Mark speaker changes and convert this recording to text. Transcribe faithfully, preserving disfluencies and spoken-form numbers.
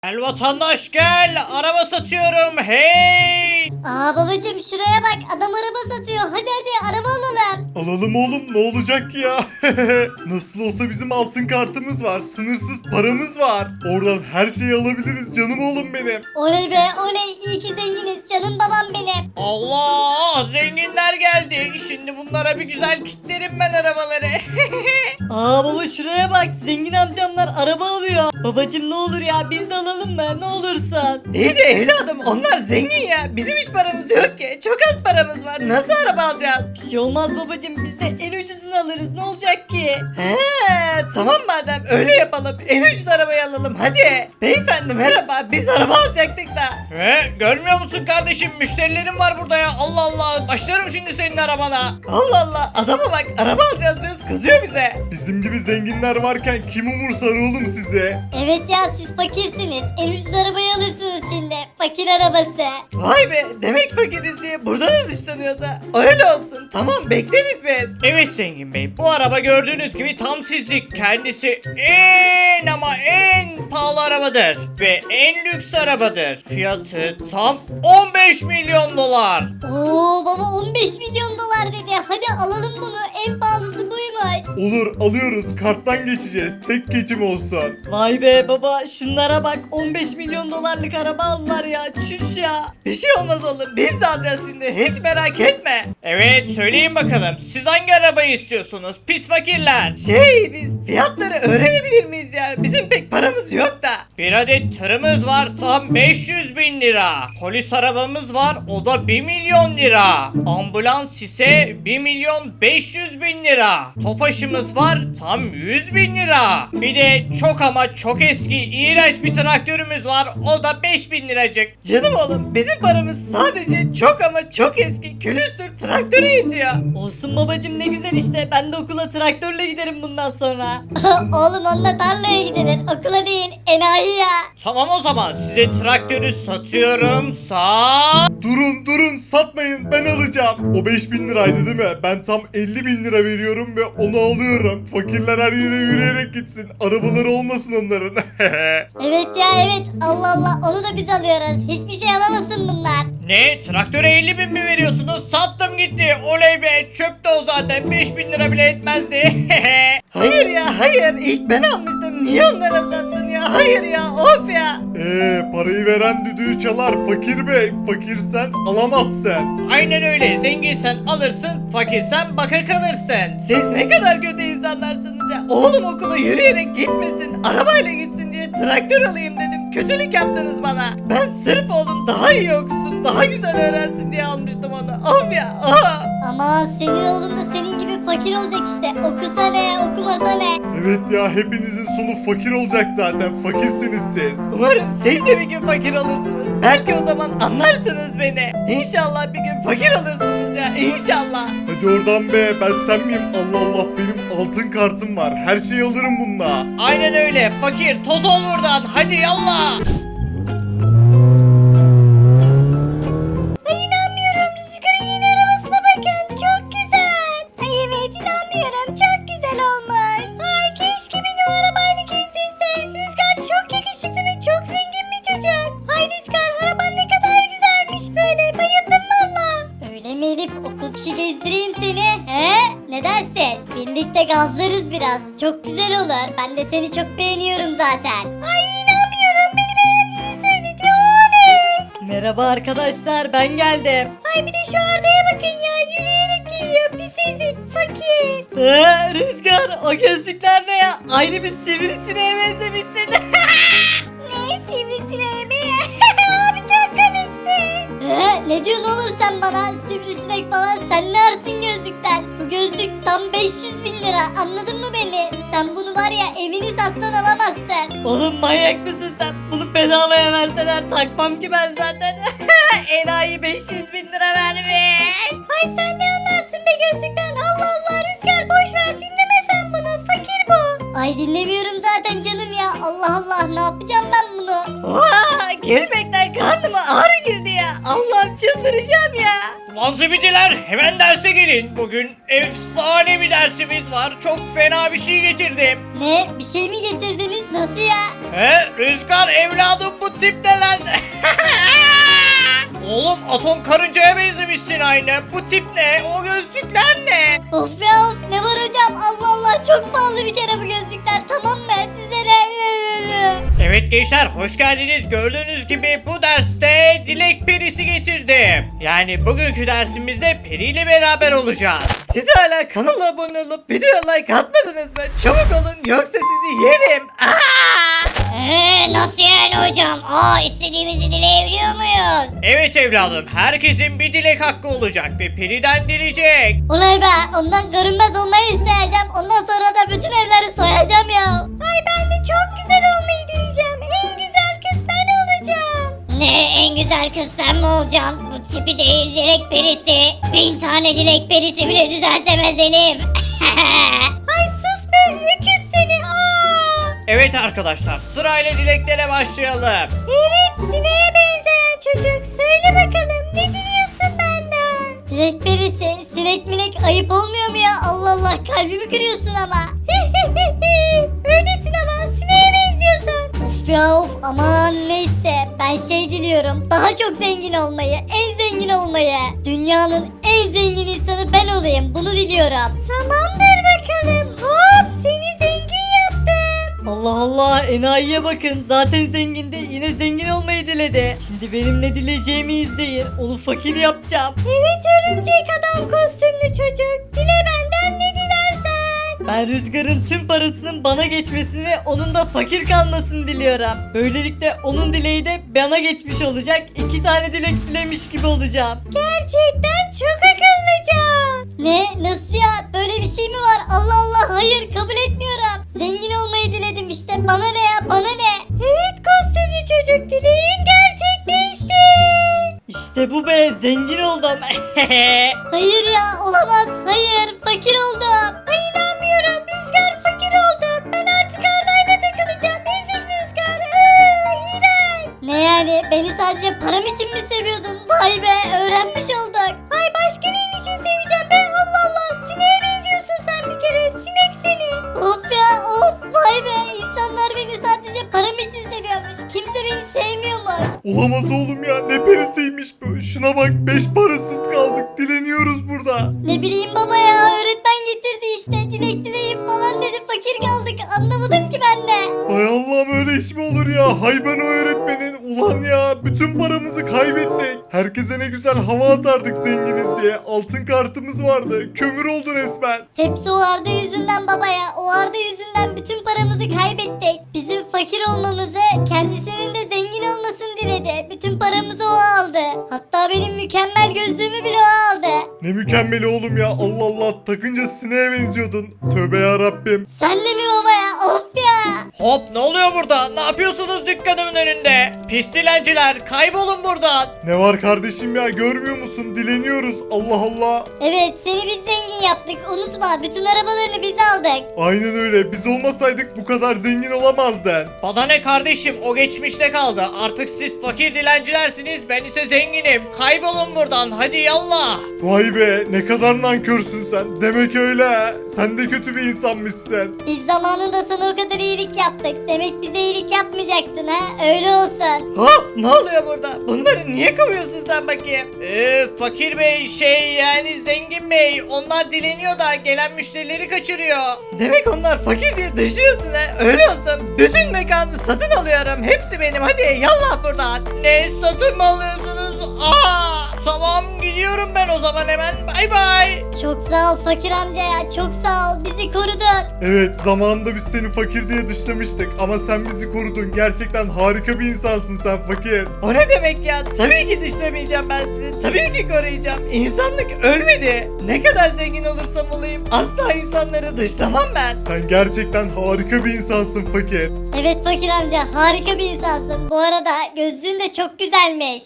Speaker 1: Gel vatandaş gel, araba satıyorum, hey!
Speaker 2: Aa babacım şuraya bak, adam araba satıyor. Hadi hadi araba alalım.
Speaker 3: Alalım oğlum, ne olacak ya? Nasıl olsa bizim altın kartımız var, sınırsız paramız var. Oradan her şeyi alabiliriz canım oğlum benim.
Speaker 2: Oley be oley, iyi ki zenginiz canım babam benim.
Speaker 1: Allah, zenginler geldi. Şimdi bunlara bir güzel kitlerim ben arabaları.
Speaker 4: Aa baba şuraya bak, zengin amcamlar araba alıyor. Babacım ne olur ya, biz de alalım mı, ne olursun.
Speaker 5: İyi de evladım, onlar zengin ya. Bizim hiç paramız yok ki. Çok az paramız var. Nasıl araba alacağız?
Speaker 4: Bir şey olmaz babacım, biz de en ucuzunu alırız, ne olacak ki?
Speaker 5: He, tamam madem öyle yapalım. En ucuz arabayı alalım hadi. Beyefendi merhaba. Biz araba alacaktık da.
Speaker 1: He, görmüyor musun kardeşim? Müşterilerim var burada ya. Allah Allah, başlarım şimdi senin arabana.
Speaker 5: Allah Allah, adama bak, araba alacağız diyoruz, kızıyor bize.
Speaker 3: Bizim gibi zenginler varken kim umursar oğlum size?
Speaker 2: Evet ya, siz fakirsiniz. En ucuz arabayı alırsınız şimdi. Fakir arabası.
Speaker 5: Vay be, demek fakiriz diye burada da dışlanıyorsa öyle olsun. Tamam, bekleriz biz.
Speaker 1: Evet zengin bey, bu araba gördüğünüz gibi tam sizlik. Kendisi en ama en pahalı arabadır. Ve en lüks arabadır. Fiyatı tam on beş milyon dolar.
Speaker 2: Oo baba, on beş milyon dolar dedi. Hadi alalım bunu. En pahalısı buymuş.
Speaker 3: Olur, alıyoruz, karttan geçeceğiz, tek geçim olsun.
Speaker 4: Vay be baba, şunlara bak, on beş milyon dolarlık araba aldılar ya, çüş ya.
Speaker 5: Bir şey olmaz oğlum, biz de alacağız şimdi, hiç merak etme.
Speaker 1: Evet, söyleyin bakalım. Siz hangi arabayı istiyorsunuz? Pis fakirler.
Speaker 5: Şey, biz fiyatları öğrenebilir miyiz ya? Bizim pek paramız yok da.
Speaker 1: Bir adet tırımız var, tam beş yüz bin lira. Polis arabamız var, o da bir milyon lira. Ambulans ise bir milyon beş yüz bin lira. Tofaşımız var, tam yüz bin lira. Bir de çok ama çok eski, iğrenç bir traktörümüz var, o da beş bin liracık.
Speaker 5: Canım oğlum, bizim paramız sadece çok ama çok eski külüstür traktöre yetiyor.
Speaker 4: Olsun babacım, ne güzel işte, ben de okula traktörle giderim bundan sonra.
Speaker 2: Oğlum onunla tarlaya gidilir. Okula değil. Enayi ya.
Speaker 1: Tamam o zaman, size traktörü satıyorum. Sağ.
Speaker 3: Durun durun, satmayın, ben alacağım. O beş bin liraydı değil mi? Ben tam elli bin lira veriyorum ve onu alıyorum. Fakirler her yere yürüyerek gitsin. Arabaları olmasın onların.
Speaker 2: Evet ya evet. Allah Allah, onu da biz alıyoruz. Hiçbir şey alamasın bunlar.
Speaker 1: Ne? Traktöre elli bin mi veriyorsunuz? Sattım gitti. Oley be, çöptü o zaten. beş bin lira bile etmezdi.
Speaker 5: Hayır ya, hayır. İlk ben almıştım. Niye onlara sattın ya? Hayır ya, of ya.
Speaker 3: Eee parayı veren düdüğü çalar fakir bey. Fakirsen alamazsın.
Speaker 1: Aynen öyle. Zenginsen alırsın, fakirsen baka kalırsın.
Speaker 5: Siz ne kadar kötü insanlarsınız ya. Oğlum okula yürüyerek gitmesin, arabayla gitsin diye traktör alayım dedim. Kötülük yaptınız bana. Ben sırf oğlum daha iyi okusun, daha güzel öğrensin diye almıştım onu. Of ya, of.
Speaker 2: Ama senin oğlun da senin gibi fakir olacak işte. Okusa ne, okumasa ne.
Speaker 3: Evet ya, hepinizin sonu fakir olacak zaten. Fakirsiniz siz.
Speaker 5: Umarım siz de bir gün fakir olursunuz. Belki o zaman anlarsınız beni. İnşallah bir gün fakir olursunuz ya, İnşallah.
Speaker 3: Hadi oradan be, ben sen miyim? Allah Allah, benim altın kartım var. Her şeyi alırım bununla.
Speaker 1: Aynen öyle. Fakir, toz ol buradan. Hadi yallah.
Speaker 2: Ay inanmıyorum, Rüzgar'ın yeni arabasına bakın. Çok güzel. Ay evet inanmıyorum, çok güzel olmuş. Ay keşke beni o arabayla gezdirse. Rüzgar çok yakışıklı ve çok zengin bir çocuk. Ay Rüzgar, araban ne kadar güzelmiş böyle. Bayıldım valla. Öyle mi Elif, okul dışı gezdireyim seni? He? Ne dersin? Birlikte gazlarız biraz. Çok güzel olur. Ben de seni çok beğeniyorum zaten. Ay inanmıyorum, beni beğendiğini söyledi. Oley.
Speaker 4: Merhaba arkadaşlar, ben geldim.
Speaker 2: Ay bir de şu Arda'ya bakın ya, yürüyerek geliyor, pis ezik, fakir.
Speaker 4: Ee, Rüzgar, o gözlükler ne ya? Aynı bir sivrisineğe benzemişsin.
Speaker 2: Ne sivrisineği mi? Abi çok komiksin. Ee, ne diyorsun oğlum sen bana, sivrisinek falan, sen ne arsın gözlükten? Bu gözlük tam beş yüz bin lira, anladın mı beni? Sen bunu var ya, evini satsan alamazsın.
Speaker 4: Oğlum manyak mısın sen? Bunu bedavaya verseler takmam ki ben zaten. Enayi beş yüz bin lira vermiş.
Speaker 2: Ay sen ne anlarsın be gözlükten, Allah Allah. Rüzgar boş ver, dinleme sen bunu, fakir bu. Ay dinlemiyorum zaten canım ya, Allah Allah, ne yapacağım ben bunu?
Speaker 5: Vaa, gülmekten
Speaker 4: ya karnıma ağrı girdi ya. Allah'ım çıldıracağım ya.
Speaker 1: Ulan zibidiler hemen derse gelin. Bugün efsane bir dersimiz var. Çok fena bir şey getirdim.
Speaker 2: Ne? Bir şey mi getirdiniz? Nasıl ya?
Speaker 1: He Rüzgar evladım bu tip ne lan? Oğlum atom karıncaya benzemişsin aynı. Bu tip ne? O gözlükler ne?
Speaker 2: Of ya of, ne var hocam? Allah Allah, çok pahalı bir kere bu gözlükler, tamam mı? Size ne?
Speaker 1: Evet gençler hoş geldiniz. Gördüğünüz gibi bu derste dilek perisi getirdim. Yani bugünkü dersimizde peri ile beraber olacağız.
Speaker 5: Siz hala kanala abone olup video like atmadınız mı? Çabuk olun yoksa sizi yerim. Aa!
Speaker 2: Eee nasıl yani hocam? Aa, istediğimizi dileyebiliyor muyuz?
Speaker 1: Evet evladım herkesin bir dilek hakkı olacak ve periden dileyecek.
Speaker 2: Olay be, ondan görünmez olmayı isteyeceğim. Ondan sonra da bütün evleri soyacağım ya. Ay ben de çok güzel olmayı dileyeceğim. En güzel kız ben olacağım. Ne, en güzel kız sen mi olacaksın? Bu tipi değil, dilek perisi. Bin tane dilek perisi bile düzeltemez Elif. Ay sus be, öküz seni. Aa.
Speaker 1: Evet arkadaşlar sırayla dileklere başlayalım.
Speaker 2: Evet, sineğe benzeyen çocuk. Söyle bakalım, ne diliyorsun benden? Dilek perisi, sinek minek ayıp olmuyor mu ya? Allah Allah, kalbimi kırıyorsun ama. Öylesin ama, sineğe benziyorsun. Of ya of, aman neyse. Ben şey diliyorum, daha çok zengin olmayı, en zengin olmayı. Dünyanın en zengin insanı ben olayım, bunu diliyorum. Tamamdır bakalım. Hop, seni zengin yaptım.
Speaker 4: Allah Allah enayiye bakın zaten zengindi yine zengin olmayı diledi. Şimdi benim ne dileyeceğimi izleyin onu fakir yapacağım.
Speaker 2: Evet örümcek adam kostümlü çocuk. Dile benden ne dilersen.
Speaker 4: Ben Rüzgar'ın tüm parasının bana geçmesini onun da fakir kalmasını diliyorum. Böylelikle onun dileği de bana geçmiş olacak. İki tane dilek dilemiş gibi olacağım.
Speaker 2: Gerçekten çok akıllıca. Ne? Nasıl ya? Böyle bir şey mi var? Allah Allah, hayır, kabul etmiyorum. Zengin olmayı diledim işte. Bana ne ya? Bana ne? Evet kostümlü çocuk, dileğin gerçekleşti.
Speaker 4: İşte bu be zengin oldum.
Speaker 2: Hayır ya, olamaz. Hayır, fakir oldum. Ay inanmıyorum. Rüzgar fakir oldu. Ben artık Arda'yla takılacağım. Ezik Rüzgar. Iıı, iğrenç. Ne yani? Beni sadece param için mi seviyordun? Vay be, öğrenmiş olduk. Ay başka neyin için seveceğim be? Allah Allah. Sineğe benziyorsun sen bir kere. Sinek seni. Of ya of. Vay be. İnsanlar beni sadece param için seviyormuş. Kimse beni sevmiyormuş.
Speaker 3: Olamaz oğlum ya ne perisiymiş bu. Şuna bak beş parasız kaldık. Dileniyoruz burada.
Speaker 2: Ne bileyim baba ya, öğretmen getirdi işte. Dilek dileyim falan dedi, fakir kaldık. Anlamadım ki ben de.
Speaker 3: Hay Allah'ım öyle iş mi olur ya? Hay ben o öğretmenin. Ulan ya bütün paramızı kaybettik. Herkese ne güzel hava atardık zenginiz diye. Altın kartımız vardı. Kömür oldu resmen.
Speaker 2: Hepsi o Arda yüzünden baba ya. O Arda yüzünden bütün paramızı kaybettik. Bizim fakir olmamızı, kendisinin de zengin olmasını diledi. Bütün paramızı o aldı. Hatta benim mükemmel gözlüğümü bile o aldı.
Speaker 3: Ne mükemmeli oğlum ya. Allah Allah takınca sineğe benziyordun. Tövbe ya Rabbim.
Speaker 2: Sen de mi baba ya? Of ya.
Speaker 1: Hop ne oluyor burada? Ne yapıyorsunuz dükkanımın önünde? Pis dilenciler kaybolun buradan.
Speaker 3: Ne var kardeşim ya görmüyor musun? Dileniyoruz. Allah Allah.
Speaker 2: Evet, seni biz zengin yaptık. Unutma, bütün arabalarını biz aldık.
Speaker 3: Aynen öyle. Biz olmasaydık bu kadar zengin olamazdın.
Speaker 1: Bana ne kardeşim o geçmişte kaldı. Artık siz fakir dilencilersiniz ben ise zenginim. Kaybolun buradan hadi yallah.
Speaker 3: Vay be ne kadar nankörsün sen. Demek öyle ha. Sen de kötü bir insanmışsın.
Speaker 2: Biz zamanında sana o kadar iyilik yaptık. Demek bize iyilik yapmayacaktın ha? Öyle olsun.
Speaker 5: Hop ne oluyor burada? Bunları niye kovuyorsun sen bakayım?
Speaker 1: Ee, fakir bey şey yani zengin bey onlar dileniyor da gelen müşterileri kaçırıyor.
Speaker 5: Demek onlar fakir diye dışlıyorsun ha. Öyle olsun bütün mekanı satın alıyorum. Hepsi benim hadi yallah buradan.
Speaker 1: Ne satın mı alıyorsunuz? Aa, tamam gidiyorum ben o zaman hemen bay bay.
Speaker 2: Çok sağ ol fakir amca ya. Çok sağ ol. Bizi korudun.
Speaker 3: Evet zamanında biz seni fakir diye dışlamıştık ama sen bizi korudun. Gerçekten harika bir insansın sen fakir.
Speaker 5: O ne demek ya? Tabii ki dışlamayacağım ben sizi. Tabii ki koruyacağım. İnsanlık ölmedi. Ne kadar zengin olursam olayım asla insanları dışlamam ben.
Speaker 3: Sen gerçekten harika bir insansın fakir.
Speaker 2: Evet fakir amca, harika bir insansın. Bu arada gözlüğün de çok güzelmiş.